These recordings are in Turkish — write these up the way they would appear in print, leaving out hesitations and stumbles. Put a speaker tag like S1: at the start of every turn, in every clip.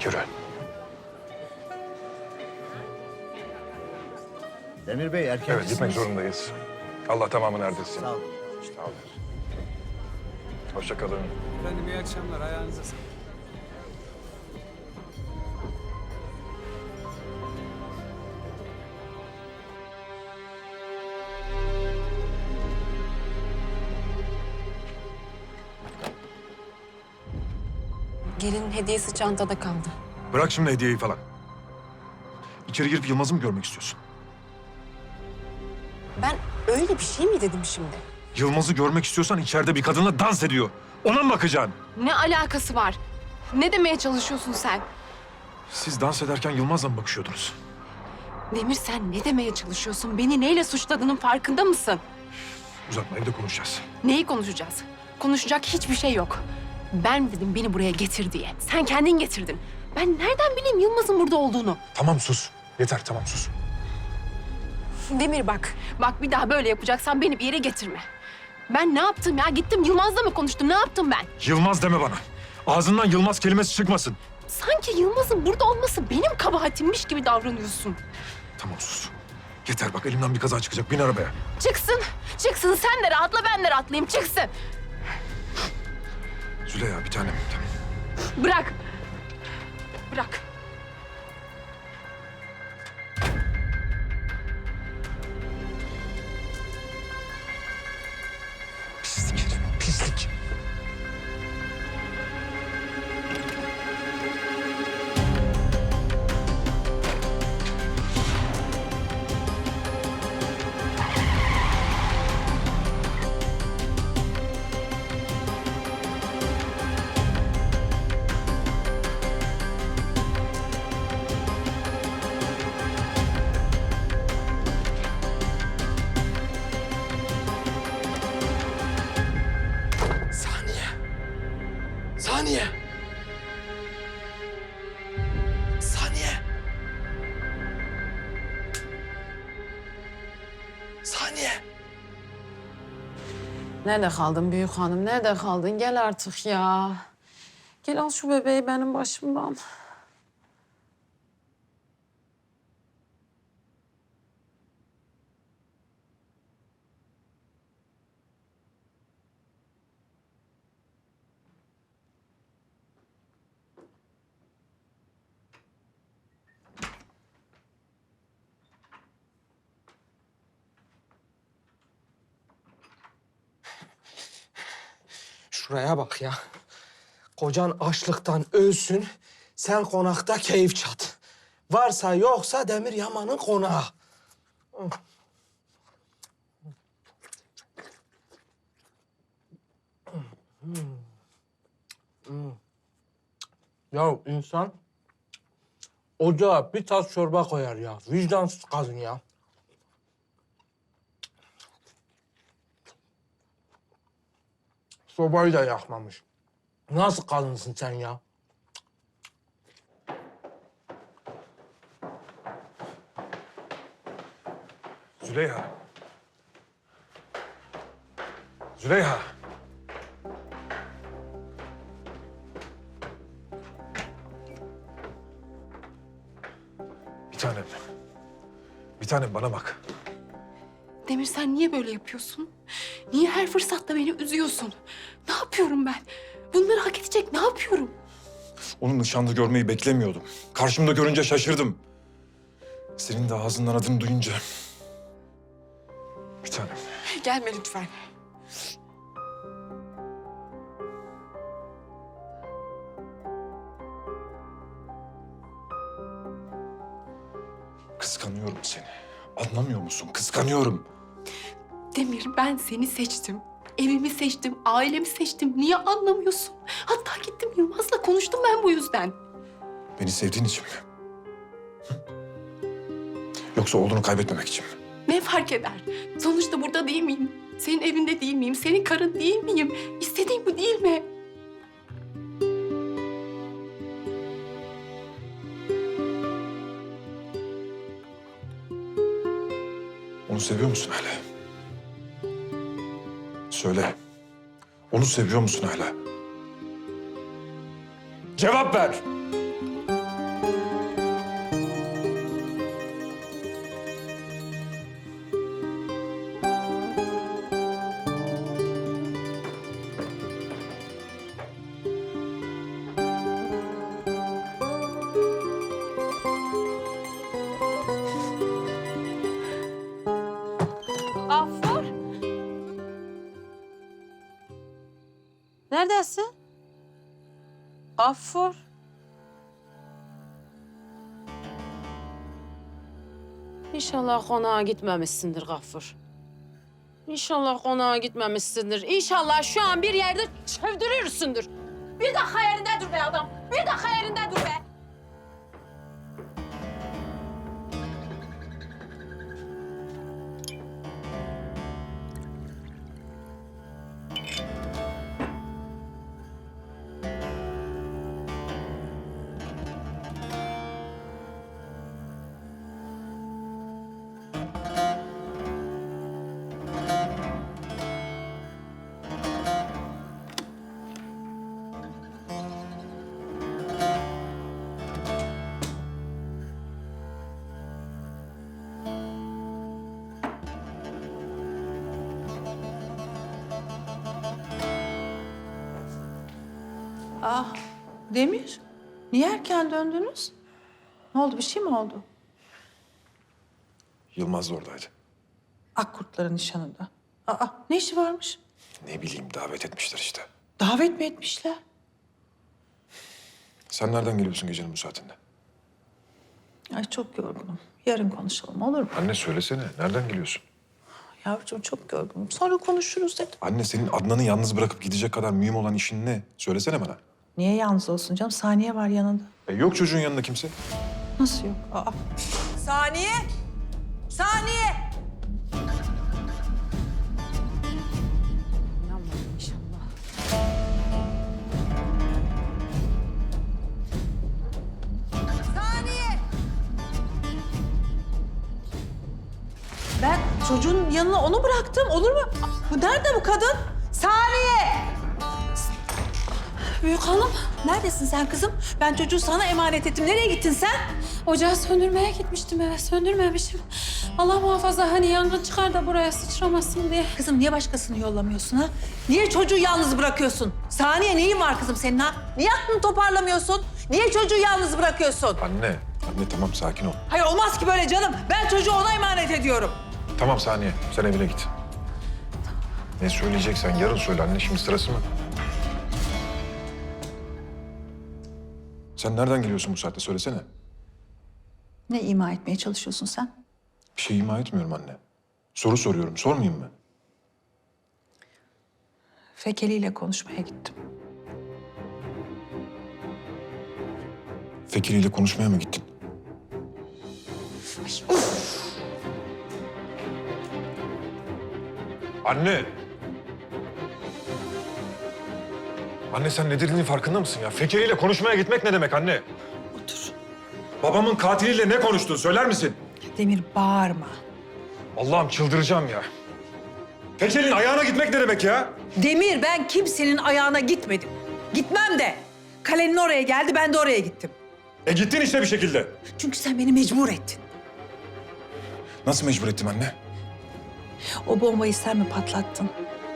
S1: Yürü.
S2: Demir Bey erken
S1: Evet, gitmek zorundayız. Allah tamamını erdirsin.
S2: Sağ olun.
S1: Sağ olun. Hoşça kalın.
S3: Efendim iyi akşamlar. Ayağınıza sağlık.
S4: Gelinin hediyesi çantada kaldı.
S1: Bırak şimdi hediyeyi falan. İçeri girip Yılmaz'ı mı görmek istiyorsun?
S4: Ben öyle bir şey mi dedim şimdi?
S1: Yılmaz'ı görmek istiyorsan içeride bir kadınla dans ediyor. Ona mı bakacaksın?
S4: Ne alakası var? Ne demeye çalışıyorsun sen?
S1: Siz dans ederken Yılmaz'la mı bakışıyordunuz?
S4: Demir sen ne demeye çalışıyorsun? Beni neyle suçladığının farkında mısın?
S1: Uzatma, evde konuşacağız.
S4: Neyi konuşacağız? Konuşacak hiçbir şey yok. Ben dedim beni buraya getir diye. Sen kendin getirdin. Ben nereden bileyim Yılmaz'ın burada olduğunu?
S1: Tamam sus. Yeter, tamam sus.
S4: Demir bak. Bak bir daha böyle yapacaksan beni bir yere getirme. Ben ne yaptım ya? Gittim Yılmaz'la mı konuştum? Ne yaptım ben?
S1: Yılmaz deme bana. Ağzından Yılmaz kelimesi çıkmasın.
S4: Sanki Yılmaz'ın burada olması benim kabahatimmiş gibi davranıyorsun.
S1: Tamam sus. Yeter bak, elimden bir kaza çıkacak. Bin arabaya.
S4: Çıksın. Çıksın. Sen de rahatla, ben de rahatlayayım. Çıksın.
S1: Züleyha bir tanem. Tamam.
S4: Bırak. Bırak.
S1: Pislik herif, pislik.
S5: Saniye. Saniye. Saniye. Saniye.
S6: Nerede kaldın büyük hanım? Nerede kaldın? Gel artık ya. Gel al şu bebeği benim başımdan.
S5: Şuraya bak ya. Kocan açlıktan ölsün, sen konakta keyif çat. Varsa yoksa Demir Yaman'ın konağı. Ya insan ocağa bir tas çorba koyar ya. Vicdansız kadın ya. Sobayı da yakmamış. Nasıl kadınsın sen ya?
S1: Züleyha. Züleyha. Bir tanem. Bir tanem bana bak.
S4: Demir sen niye böyle yapıyorsun? Niye her fırsatta beni üzüyorsun? Ne yapıyorum ben? Bunları hak edecek ne yapıyorum?
S1: Onu nişanlı görmeyi beklemiyordum. Karşımda görünce şaşırdım. Senin de ağzından adını duyunca. Bir tanem.
S4: Gelme lütfen.
S1: Kıskanıyorum seni. Anlamıyor musun? Kıskanıyorum.
S4: Demir ben seni seçtim. Evimi seçtim, ailemi seçtim. Niye anlamıyorsun? Hatta gittim Yılmaz'la konuştum ben bu yüzden.
S1: Beni sevdiğin için mi? Hı? Yoksa oğlunu kaybetmemek için mi?
S4: Ne fark eder? Sonuçta burada değil miyim? Senin evinde değil miyim? Senin karın değil miyim? İstediğin bu değil mi?
S1: Onu seviyor musun hala? Söyle. Onu seviyor musun hala? Cevap ver.
S6: neredesin? Gaffur. İnşallah konağa gitmemişsindir Gaffur. İnşallah konağa gitmemişsindir. İnşallah şu an bir yerde çövdürürsündür. Bir dakika yerinde dur be adam. Bir dakika yerinde dur be.
S2: Ah, Demir. Niye erken döndünüz? Ne oldu, bir şey mi oldu?
S1: Yılmaz da oradaydı.
S2: Akkurtların nişanında. Aa, ne işi varmış?
S1: Ne bileyim davet etmişler işte.
S2: Davet mi etmişler?
S1: Sen nereden geliyorsun gecenin bu saatinde?
S2: Ay çok yorgunum. Yarın konuşalım, olur mu?
S1: Anne söylesene. Nereden geliyorsun?
S2: Yavrucuğum çok yorgunum. Sonra konuşuruz dedim.
S1: Anne senin Adnan'ı yalnız bırakıp gidecek kadar mühim olan işin ne? Söylesene bana.
S2: Niye yalnız olsun canım? Saniye var yanında.
S1: Yok çocuğun yanında kimse.
S2: Nasıl yok? Aa.
S7: Saniye! Saniye!
S6: İnanmadım inşallah.
S7: Saniye!
S2: Ben çocuğun yanına onu bıraktım. Olur mu? Bu nerede bu kadın?
S7: Saniye!
S2: Büyük hanım. Neredesin sen kızım? Ben çocuğu sana emanet ettim. Nereye gittin sen?
S6: Ocağı söndürmeye gitmiştim eve. Söndürmemişim. Allah muhafaza hani yangın çıkar da buraya sıçramasın diye.
S2: Kızım niye başkasını yollamıyorsun ha? Niye çocuğu yalnız bırakıyorsun? Saniye neyin var kızım senin ha? Niye aklını toparlamıyorsun? Niye çocuğu yalnız bırakıyorsun?
S1: Anne tamam sakin ol.
S2: Hayır olmaz ki böyle canım. Ben çocuğu ona emanet ediyorum.
S1: Tamam Saniye sen evine git. Ne söyleyeceksen yarın söyle anne şimdi sırası mı? Sen nereden geliyorsun bu saatte söylesene.
S2: Ne ima etmeye çalışıyorsun sen?
S1: Bir şey ima etmiyorum anne. Soru soruyorum sormayayım mı?
S2: Fekeli ile konuşmaya gittim.
S1: Fekiri ile konuşmaya mı gittin? Anne! Anne sen ne dediğinin farkında mısın ya? Fekiri ile konuşmaya gitmek ne demek anne?
S2: Otur.
S1: Babamın katiliyle ne konuştun söyler misin?
S2: Demir bağırma.
S1: Allah'ım çıldıracağım ya. Fekir'in ayağına gitmek ne demek ya?
S2: Demir ben kimsenin ayağına gitmedim. Gitmem de. Kalenin oraya geldi ben de oraya gittim.
S1: Gittin işte bir şekilde.
S2: Çünkü sen beni mecbur ettin.
S1: Nasıl mecbur ettim anne?
S2: O bombayı sen mi patlattın?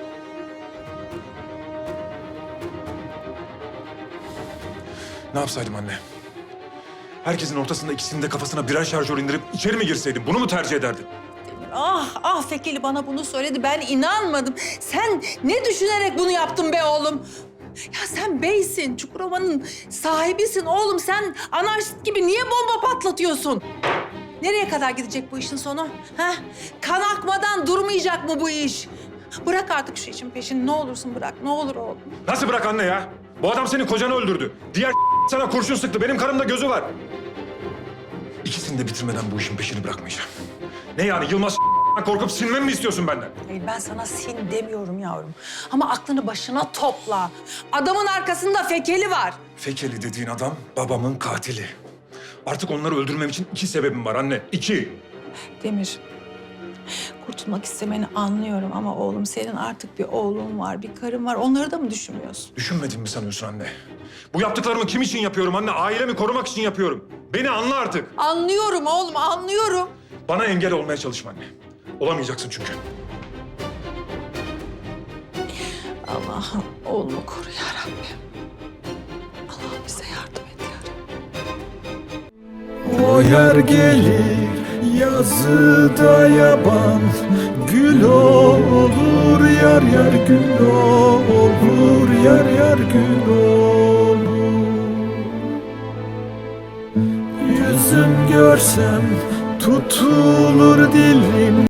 S1: Ne yapsaydım anne? Herkesin ortasında ikisinin de kafasına birer şarjör indirip içeri mi girseydim? Bunu mu tercih ederdin?
S2: Ah Fekeli bana bunu söyledi. Ben inanmadım. Sen ne düşünerek bunu yaptın be oğlum? Ya sen beysin, Çukurova'nın sahibisin oğlum. Sen anarşist gibi niye bomba patlatıyorsun? Nereye kadar gidecek bu işin sonu? Ha? Kan akmadan durmayacak mı bu iş? Bırak artık şu işin peşini. Ne olursun bırak. Ne olur oğlum.
S1: Nasıl bırak anne ya? Bu adam senin kocanı öldürdü. Diğer sana kurşun sıktı. Benim karımda gözü var. İkisini de bitirmeden bu işin peşini bırakmayacağım. Ne yani Yılmaz korkup sinmemi mi istiyorsun benden?
S2: Hayır ben sana sin demiyorum yavrum. Ama aklını başına topla. Adamın arkasında Fekeli var.
S1: Fekeli dediğin adam babamın katili. Artık onları öldürmem için 2 sebebim var anne. 2.
S2: Demir, kurtulmak istemeni anlıyorum ama oğlum senin artık bir oğlun var, bir karın var. Onları da mı düşünmüyorsun?
S1: Düşünmediğimi mi sanıyorsun anne? Bu yaptıklarımı kim için yapıyorum anne? Ailemi korumak için yapıyorum. Beni anla artık.
S2: Anlıyorum oğlum, anlıyorum.
S1: Bana engel olmaya çalışma anne. Olamayacaksın çünkü.
S2: Allah'ım oğlumu koru ya Rabbim. Allah'ım bize yardım et ya Rabbim.
S8: O yer gelir Yazıda yaban gül olur, yar yar gül olur, yar yar gül olur. Yüzüm görsem tutulur dilim.